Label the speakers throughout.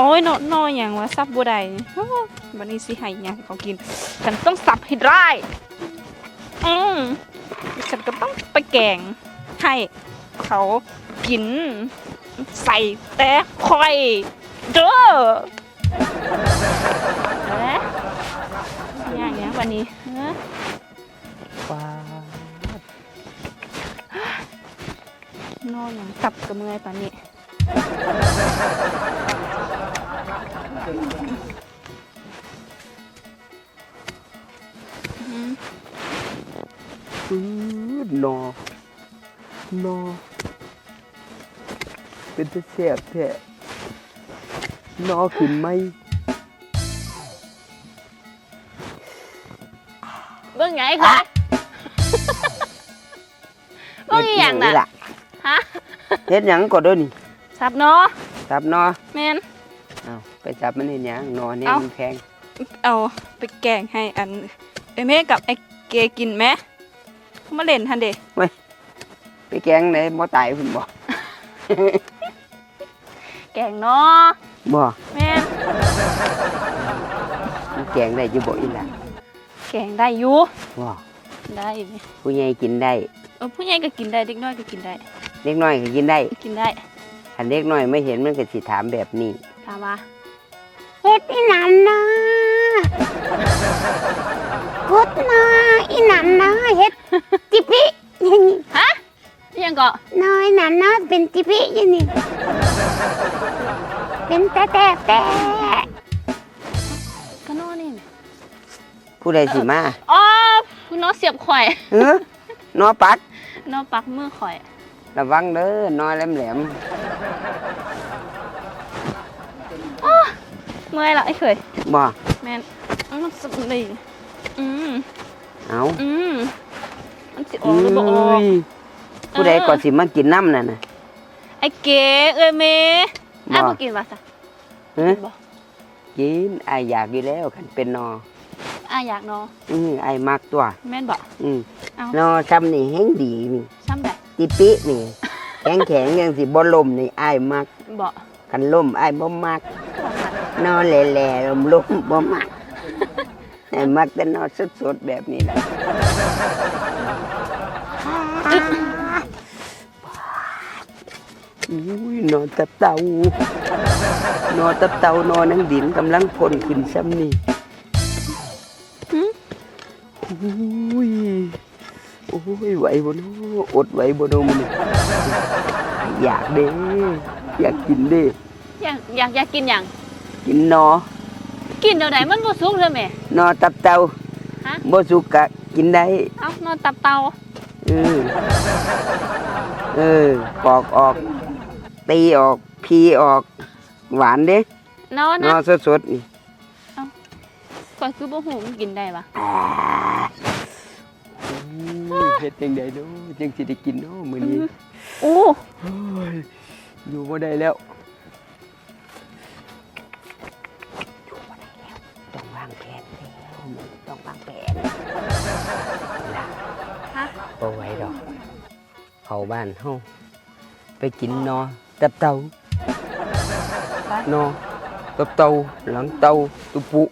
Speaker 1: อ้ยนออย่างว่าซับบัวใดวันนี้สิให้ยังเขากินฉันต้องสับให้ได้ฉันก็ต้องไปแกงให้เขากินใส่แต่คอยเด้ออย่างเงี้ยวันนี้
Speaker 2: ว้า
Speaker 1: นอนอย่างสับกับมือตอนนี้
Speaker 2: นอเป็นตะแซ่บแท้นอขึ้นไหม
Speaker 1: เบิ่งไงคะเบิ่งอีหยังน่ะฮะ
Speaker 2: เฮ็ดหยังก็เด้อนี่
Speaker 1: สับเนาะ
Speaker 2: สับนอ
Speaker 1: แม่น
Speaker 2: เอาไปจับมันเฮ็ดหยังนอเนี่ยมันแพง
Speaker 1: เอาไปแกงให้อันไอ้แม่กับไอ้เกกินไหมมาเล่นทันเด้
Speaker 2: เว้ยไปแกงไหนบ่ตายพุ่นบ่
Speaker 1: แกงเนาะ
Speaker 2: บ่
Speaker 1: แม่
Speaker 2: นแกงได้อยู่บ่อีหล่ะ
Speaker 1: แกงได้อยู่
Speaker 2: บ่
Speaker 1: ได้
Speaker 2: ผู้ใหญ่กินได้
Speaker 1: ผู้ใหญ่ก็กินได้เด็กน้อยก็กินได้
Speaker 2: เด็กน้อยก็กินได้ถ้าเด็กน้อยไม่เห็นมันก็สิถามแบบนี้
Speaker 1: ถามว่า
Speaker 3: เฮ็ดอีหนันนะพุดนะอีหนันนะเฮ็ดจิปิอย่างนี้
Speaker 1: ฮะยังก็
Speaker 3: น้อยหนันนะเป็นจิปิอย่างนี้เป็นแต่
Speaker 1: ก็นอนนี่
Speaker 2: ผู้ใดสิมา
Speaker 1: อ๋อคุณน้อเสียบข่อย
Speaker 2: นอปัก
Speaker 1: นอปักมือข่อย
Speaker 2: ระวังเด้อนอแหลม
Speaker 1: เมื่อยละไอ้เคย
Speaker 2: บ่
Speaker 1: แม่นมันสุดเลย
Speaker 2: เอา
Speaker 1: มันสิออกหรือบ่ออก
Speaker 2: ผู้ใดก่อนสิมากินน้ำน่ะ
Speaker 1: ไอ้เก๋เอ้ยเมย์อ้าวบ่กินว่าซะ
Speaker 2: กินอ้ายอยากอยู่แล้วคันเป็นนอ
Speaker 1: อ้ายอยากนอ
Speaker 2: อ้ายมักตัว
Speaker 1: แม่นบ่
Speaker 2: นอซ้ำนี่แห้งดีนี่
Speaker 1: ซ้ำได้
Speaker 2: ติปินี่แข็งยังสิบ่ล่มนี่อ้ายมัก
Speaker 1: บ่
Speaker 2: คันล่มอ้ายบ่มักนอแหล่ๆล่มบ่มักอ้ายมักแต่นอสดๆแบบนี้แหละนอนตับเต่านอนนังดินกำลังพ่นขึ้นซ้ำนี่โอ้ยไหวบ่น้ออดไหวบ่น้อมันอยากเด้อยากกินเด้
Speaker 1: อยากกินอย่าง
Speaker 2: กินนอ
Speaker 1: กินเดี๋ยวไหนมันบ่สุกเลยแม่
Speaker 2: นอตับเต่าบ่สุกกะกินได้
Speaker 1: นอตับเต่า
Speaker 2: ปอกออกตีออกพีออกหวานเด้
Speaker 1: นอ
Speaker 2: สดๆนี่
Speaker 1: ก่อนคือบ่หูมันกินได้ปะ
Speaker 2: เฮ็ดจังได๋เนาะจังสิได้กินเนาะมื้อนี้
Speaker 1: โอ้
Speaker 2: ยอยู่บ่ได้แล้วต้องวางแผนแล้วต้องวางแผนบ่ไหวดอกเข้าบ้านเฮาไปกินนอตับเต่านอตับเต่าหลังเต่าตุปุ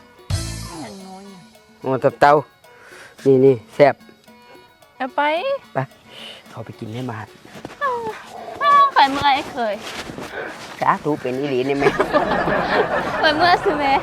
Speaker 2: นอตับเต่านี่แซ่บ
Speaker 1: เอาไป
Speaker 2: เขาไปกินในบาท
Speaker 1: เคยเมื่อยเคย
Speaker 2: สาธุเป็นอีหลีนี่แม่
Speaker 1: เคยเมื่อยสิแม่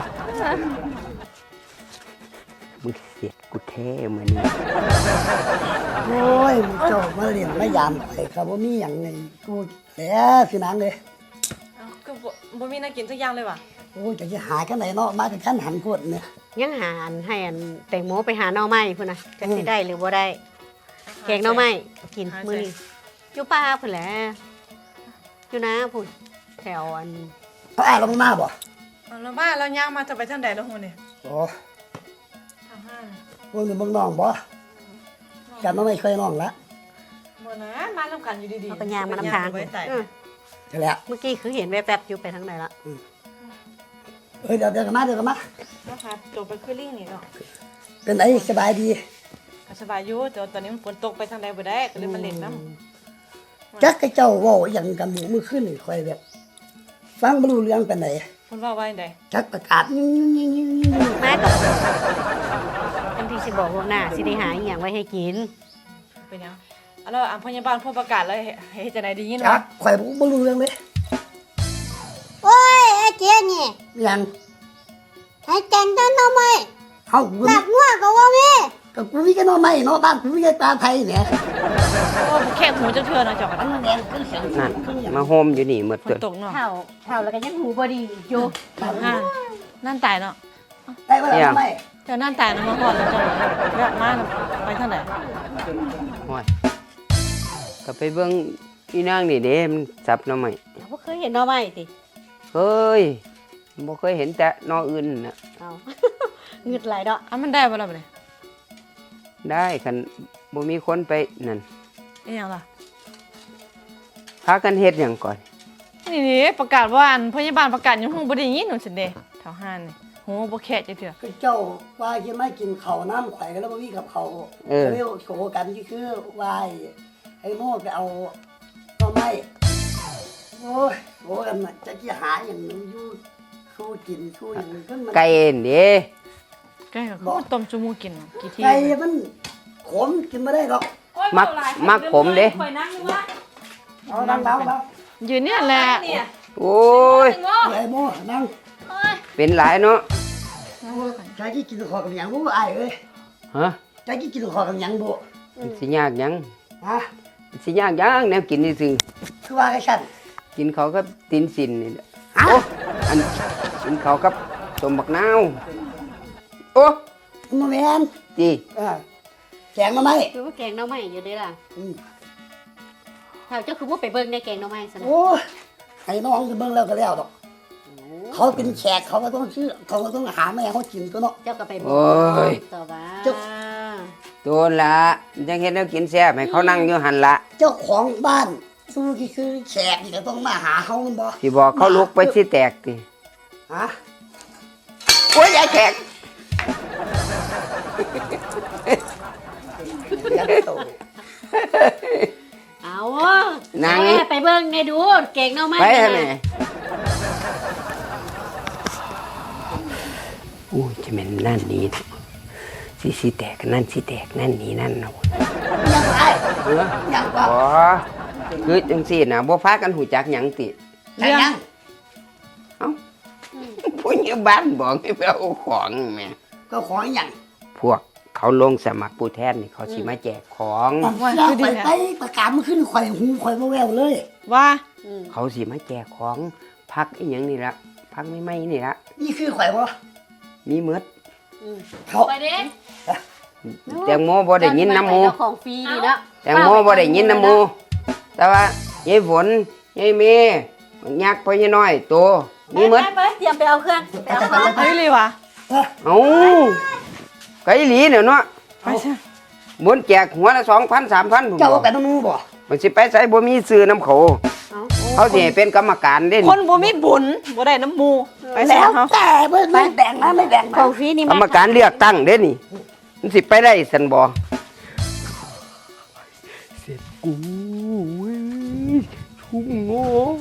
Speaker 2: มึงเสียกูแท้เหมือนนี้
Speaker 3: โอ้ยมึงโจมาเรียนมายามไปครับว่ามีอย่างไงกูแล้วสินางเลย
Speaker 1: ก็บ่มีน่ากินสักอย่างเลยว่ะ
Speaker 3: โอ้ยจะหากันไหนเนาะมาถึงขั้นหันกดเนี่ย
Speaker 4: ยังหาให้แตงโมไปหาหน่อไม้พุ่นน่ะจะสิได้หรือบ่ได้แกงหน่อไม้กินมื้อนี้อยู่ป่าพุ่นแหละอยู่นะพุ่นแถว
Speaker 3: ลงมาบ่
Speaker 1: เรามาเราย่างมาจะไปทางใดแล้วฮู้นี่
Speaker 3: โอ้ทางห้างพวกนี้มึงน้องบ่กันน้องไม่เคยน้องละ
Speaker 1: บ่นะมานํกันอยู่ดีๆ
Speaker 4: เอาไปย่างมานำทาง
Speaker 3: ใช่แล้ว
Speaker 4: เมื่อกี้คือเห็นแวบๆอยู่ไปทางไหนละ
Speaker 3: เดี๋ยวกันมา
Speaker 1: แล้วค่ะจบไปคือลิงนี่เนาะ
Speaker 3: เป็นไงสบายดี
Speaker 1: สบายอยู่แต่ตอนนี้มันฝนตกไปทางใดบ่ได้ก็เลยมาเล่นน้ำ
Speaker 3: จักไอ้เจ้าว่าอย่างกันหมูมือขึ้นนี่คอยแบบฟังบ่รู้เรื่องปานใด
Speaker 5: คุณว่าไว้ได
Speaker 3: จักประกาศยิ่งๆๆ
Speaker 4: มากับอันที่สิบอกล่วงหน้าสิได้หาอีหยังไว้ให้กิน
Speaker 5: เป็นยังแล้วพยาบาลผู้ประกาศแล้วให้จะไหนดียิน
Speaker 3: ๆจั
Speaker 5: วะ
Speaker 3: กข่อยบ่รู้เรื่องเลย
Speaker 6: โอ้ยไอ้เจ๊นี่
Speaker 3: หยัง
Speaker 6: ให้แกงต้นทำไม
Speaker 3: เฮากู
Speaker 6: หลับงัวก็ว่าแม่
Speaker 3: ก็กูมีกันเนาะไม่เนาะบ้านกูมีกันตาไทยเนี่ย
Speaker 5: โอ้แค่หูจะเทือนนะจอกกัน
Speaker 3: มันแดงคือเสียง
Speaker 2: นั่น
Speaker 3: คือหยัง
Speaker 2: มาโฮมอยู่นี่หมด
Speaker 5: ฝ
Speaker 2: ตั
Speaker 5: น
Speaker 2: ว
Speaker 5: ตกเนาะ
Speaker 4: เท่าแล้วก็ยังหูบ่ดีอยู่
Speaker 5: นั่นตายเนาะ
Speaker 3: ได้บ่ล่ะไม่
Speaker 5: เจ้านั่นตายนะมาก่อนแล้วเจ้าแบบมาไปเท่าไหร่
Speaker 2: ห้อยก็ไปเบิ่งอีนางนี่เด้มันจับหน่อไม้
Speaker 4: บ่เคยเห็นหน่อไม้ติ
Speaker 2: เฮ้ยบ่เคยเห็นแต่หนออื่นน่ะ
Speaker 4: เอา เงึดหลายดอก
Speaker 5: มันได้บ่ล่ะบ่เนี่ย
Speaker 2: ได้คันบ่มีคนไปนั่น
Speaker 5: นี่ยังล่ะ
Speaker 2: พากันเฮ็ดหยังก่อน
Speaker 5: นี่ประกาศว่าพยาบาลประกาศยังหูบ่ได้ยินหนูสิเด้แถวห้านนี่หูบ่แค่จะเถื่อ
Speaker 3: คือเจ้าว่าสิมากินข้าวน้ำข่อยก็แล้วบ่มีกับข้าวเร็วโชว์กันที่คือว่าไอ้โม่ไปเอาหน่อไม้โอ้ยโหกันน่ะจะสิหาหยังอยู่สู้กินสู้หยังขึ้นมัน
Speaker 2: ไก่เด้
Speaker 5: แกก็ต้มจุมูกินกี่ที
Speaker 3: ไก่มันขมกินบ่ได้หรอก
Speaker 2: มักขมเด้
Speaker 3: เอาดังๆ
Speaker 5: ยืนเนี่ยแหละ
Speaker 2: โอ้ย
Speaker 3: ไอ้โม่นั่ง
Speaker 2: เป็นหลายเนาะ
Speaker 3: ใจที่กินข้าวกับหยังบ่อ้ายเอ้ย
Speaker 2: ฮะ
Speaker 3: ใจที่กินข้าวกับหยังบ่
Speaker 2: มันสิยากหยัง
Speaker 3: ฮะ
Speaker 2: มันสิยากหยังแนวกินซื่อ
Speaker 3: คือว่าไอ้ฉัน
Speaker 2: ๆกินเขาวกับตีนสินนี่แหละ
Speaker 3: ฮะ
Speaker 2: โอ้อันกินเขาวกับต้มบักนาวโอ้
Speaker 3: บ่แม่น
Speaker 2: จี
Speaker 3: แกงมาไหม
Speaker 4: คือว่าแกงหน่อไม้อยู่เด้ล่ะ
Speaker 3: อืม
Speaker 4: เท่าเจ้าคือบ่ไปเบิ่งในแกงหน่อไม้ซะนะ
Speaker 3: โอ้ยไอ้น้องจะเบิ่งแล้วก็แล้วดอก เขาเป็นแขกเขาก็ต้องชื่อเขาก็ต้องหาแม่เขากินตัวเนาะ
Speaker 4: เจ้าก็ไปบอ
Speaker 2: โอ้ย
Speaker 4: กต่อว่า
Speaker 3: เจ้า
Speaker 2: โดนละยังเห็นแล้วกินแซ่บให้เขานั่งอยู่หันละ
Speaker 3: เจ้าของบ้านสู้ที่คือแขกนี่ก็ต้องมาหาเขาแม่นบ่
Speaker 2: ที่บอกเขาลุกไปที่แตกติ
Speaker 3: ฮะ
Speaker 2: โอ้ยยายแขก
Speaker 3: ยัดโต
Speaker 4: เอา
Speaker 2: นาง
Speaker 4: แม่ไปเบิ่งในดูแกงหน่อไม้
Speaker 2: ไป
Speaker 4: นั่
Speaker 2: ฮะ
Speaker 4: น
Speaker 2: แม่
Speaker 4: น่ะ
Speaker 2: โอ้ยจะเป็นนั่นนี่สิแตกนั่นสิแตกนั่นนี่นั่นเนาะ
Speaker 3: ยังไง
Speaker 2: เออ
Speaker 3: ยังว่า
Speaker 2: บ่คือจังซี่น่ะบ่พากันหูจักหยังติ
Speaker 3: ใช่ยัง
Speaker 2: เอ้าผู้ใหญ่บ้านบอกให้ไปเอาของแม่
Speaker 3: ก็ของยัง
Speaker 2: พวกเขาลงสมัครผู้แทนนี่เขาสิมาแจกของ
Speaker 3: อยากไปประกาศมันขึ้นข่อยหูข่อยบ่แววเลย
Speaker 5: ว่า
Speaker 2: เขาสิมาแจกของพักอีหยังนี่ละพักไม่นี่ละ
Speaker 3: นี่คือข่อยบ่
Speaker 2: มีหมด
Speaker 3: เขา
Speaker 5: ไปเด้
Speaker 2: แตงโมบ่ได้ยินน้ำหมู
Speaker 4: เจ้าของฟรีดีเนาะ
Speaker 2: แตงโมบ่ได้ยินน้ำหมู แต่ว่ายายฝนยายเมย์ยักษ์พ่อยายน้อยโตมีหมด
Speaker 4: ไปเตรียมไปเอาเครื่องไปเอาเครื่อง
Speaker 5: เฮ้ยเลยวะ
Speaker 2: เอ้าไก่หลีเนี่ยเนาะ
Speaker 5: ไปใช่
Speaker 2: บนแจกหัวละ2,000 3,000ผม
Speaker 3: เจ้า
Speaker 2: บอก
Speaker 3: ไปน้ำมูบ่
Speaker 2: มันสิไปใส่บ่มีซื้อน้ำเขาเขาสิให้เป็นกรรมการเด่น
Speaker 5: คนบ่มีบุญบ่ได้น้ำมูไปใช่
Speaker 3: แล้ว
Speaker 5: เขา
Speaker 3: แต่ไม่แบ่งนะไม่แบ่ง
Speaker 4: ของฟรีนี่
Speaker 2: กรรมการเลือกตั้งเด่นนี่มันสิไปได้สันบ่เสร็จกูเว้ยชุ่มโง่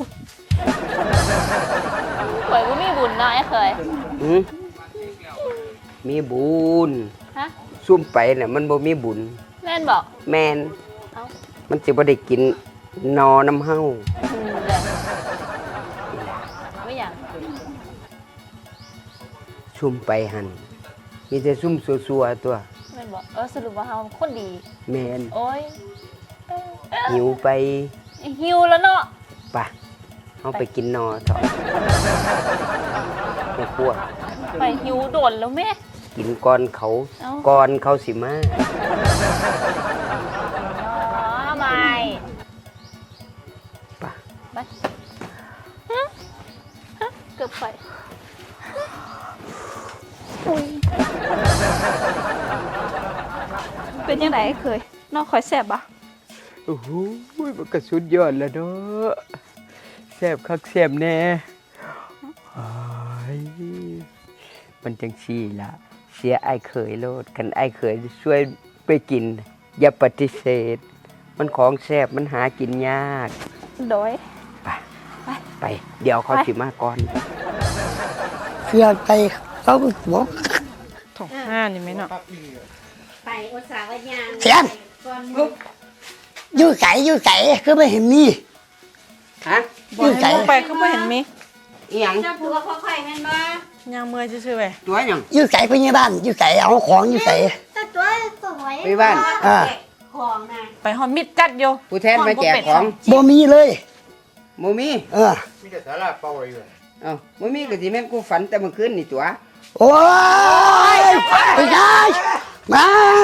Speaker 1: ข่อยบ่มีบุญเนาะไอ้เคย
Speaker 2: หืมมีบุญ
Speaker 1: ฮะ
Speaker 2: ซุ่มไปน่ะมันบ่มีบุญ
Speaker 1: แม่นบอก
Speaker 2: แม่น
Speaker 1: เอ้า
Speaker 2: มันสิบ่ได้กินนอน้ำเฮา
Speaker 1: เลยไม่อยาก
Speaker 2: ซุ่มไปหั่นมีแต่ซุ่มซัวๆตัว
Speaker 1: แม่นบอกสรุปว่าเฮาคนดี
Speaker 2: แม่น
Speaker 1: โอ้ย
Speaker 2: หิวไป
Speaker 1: หิวแล้วเนาะ
Speaker 2: ปะเอาไปกินนอเถอะไม่กลัว
Speaker 1: ไปหิวโดนแล้วแม่
Speaker 2: กินก่อนเขา
Speaker 1: เอ้า
Speaker 2: ก่อนเขาสิมา
Speaker 1: ไม่
Speaker 2: ปะ
Speaker 1: ไปเกือบไปอุ้ยเป็นยังไงเคยนอกคอยแสบปะ
Speaker 2: โอ้โหมันก็สุดยอดแล้วเนาะแซ่บคักแซ่บแน่อ้ายมันจังซี่ล่ะ เสียไอ้ายเขยโลดคันไอ้ายเขยช่วยไปกิน อย่าปฏิเสธ มันของแซ่บมันหากินยาก
Speaker 1: โดย
Speaker 2: ไป
Speaker 1: ไป
Speaker 2: ไป เดี๋ยวเขาสิมาก่อน
Speaker 3: เสียใจเขาบอก
Speaker 5: เท่าห้านนี่แม่เนาะ
Speaker 4: ไปอุตสาหยาน
Speaker 3: เสียงอยู่ไสคือไม่เห็นนี่
Speaker 2: ฮะ
Speaker 5: บ่ให้บ่ไปคือบ่เห็นมี
Speaker 2: อีหยัง
Speaker 4: เจ้าตัวค่อยๆแม่นบ่
Speaker 5: ย่างเมื่อยซื่อๆเว้ย
Speaker 2: ตัวหยัง
Speaker 3: อยู่ไสพยาบาลอยู่ไสเอาของอยู่ไส
Speaker 6: ตัวตัวสวย
Speaker 2: ไปบ้าน
Speaker 3: อ่า
Speaker 4: ของน่ะ
Speaker 5: ไปฮอดมิดจัดอยู่
Speaker 2: ผู้แทนมาแจกของ
Speaker 3: บ่มีเลย
Speaker 2: โมมี
Speaker 3: เออ
Speaker 2: เอ้าโมมีก็สิแม่นกูฝันแต่เมื่อคืนนี่ตัว
Speaker 3: โอ้ยไปได้มา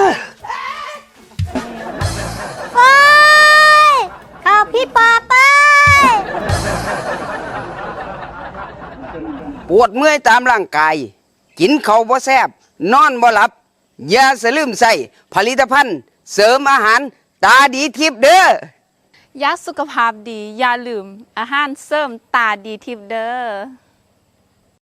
Speaker 6: ไปเข้าพี่ปอไป
Speaker 2: ปวดเมื่อยตามร่างกาย กินข้าวบ่แซ่บนอนบ่หลับ อย่าสะลืมใส่ผลิตภัณฑ์ เสริมอาหาร ตาดีทิพย์เด้อ
Speaker 1: ยาสุขภาพดี อย่าลืมอาหารเสริมตาดีทิพย์เด้อ